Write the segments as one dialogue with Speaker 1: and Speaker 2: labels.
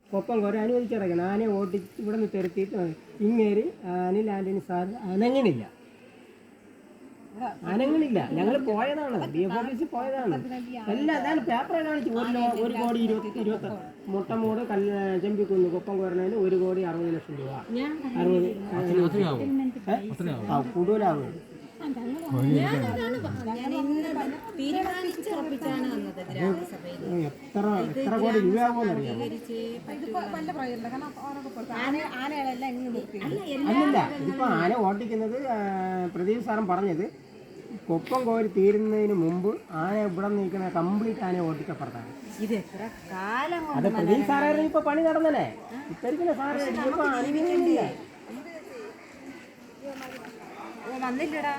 Speaker 1: കൊപ്പം കുറെ അനുവദിച്ചിറക്കണം. ആനയെ ഓടിച്ച് ഇവിടെ നിന്ന് തിരുത്തിയിട്ട് ഇങ്ങേരി അനിൽ ആൻ്റണി സാർ അനങ്ങണില്ല. ഞങ്ങൾ പോയതാണ്, DF ഓഫീസിൽ പോയതാണ്. എല്ലാം അതാണ് പേപ്പറെ കാണിച്ചു. 1,20,20 മുട്ടമൂട് ചെമ്പിക്കുന്ന് കൊപ്പം കോരണതിന് 1,60,00,000 രൂപ. 60 കൂടുതലാകും. എത്ര കോടി രൂപയാകുമെന്ന് അറിയാം. അല്ലല്ല, ഇതിപ്പോ ആന ഓട്ടിക്കുന്നത് പ്രദീപ് സാറും പറഞ്ഞത് കൊപ്പം കോരി തീരുന്നതിന് മുമ്പ് ആന ഇവിടെ നിൽക്കുന്ന കംപ്ലീറ്റ് ആന ഓട്ടിക്കപ്പുറത്താണ്. അത് പ്രദീപ് സാറായിരുന്നു. ഇപ്പൊ പണി നടന്നല്ലേ ഇപ്പൊ സാറ് ഇപ്പൊ അനുഭവമില്ല.
Speaker 2: വന്നില്ലടാ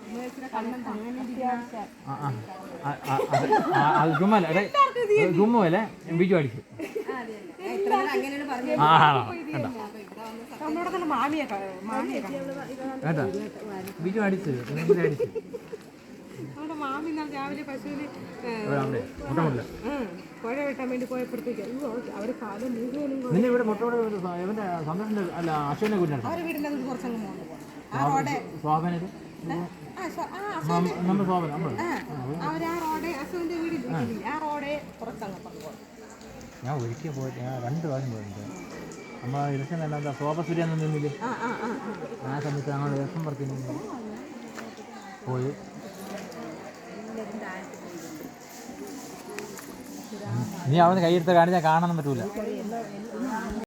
Speaker 3: ഗുമ്മല്ലേ ബിജു അടിച്ചു. കേട്ടോ ബിജു അടിച്ചു അടിച്ചു.
Speaker 2: മാമി രാവിലെ പശുവിന് പുഴ വെട്ടാൻ വേണ്ടി പോയപ്പോഴത്തേക്ക് അവര് കാലം മുഴുവനും
Speaker 3: നിന്നെ ഇവിടെ മുട്ടോടെ ഇവന്റെ സന്തോഷിന്റെ അല്ല അശ്വനെ കൂട്ടാണ്
Speaker 2: അവരുടെ വീടിന്റെ കുറച്ചങ്ങ് പോകുന്നത്
Speaker 3: ശോഭനത് നമ്മൾ ശോഭന
Speaker 2: അവര് ആ റോഡ് അസുവിന്റെ വീട് ആ റോഡേ കുറച്ചങ്ങ് പറഞ്ഞു.
Speaker 3: ഞാൻ ഒരിക്കൽ പോയിട്ട് ഞാൻ 2 പ്രാവശ്യം പോയിട്ടുണ്ട്. നമ്മൾ ഇലക്ഷൻ എന്താ ശോഭ സൂര്യ നിന്നില്ലേ ആ സമയത്ത് ഞങ്ങൾ ഇലക്ഷൻ പറത്തിന് പോയി. നീ അവിടെ കൈയെടുത്ത് കാണിച്ചാൽ കാണാൻ പറ്റൂല.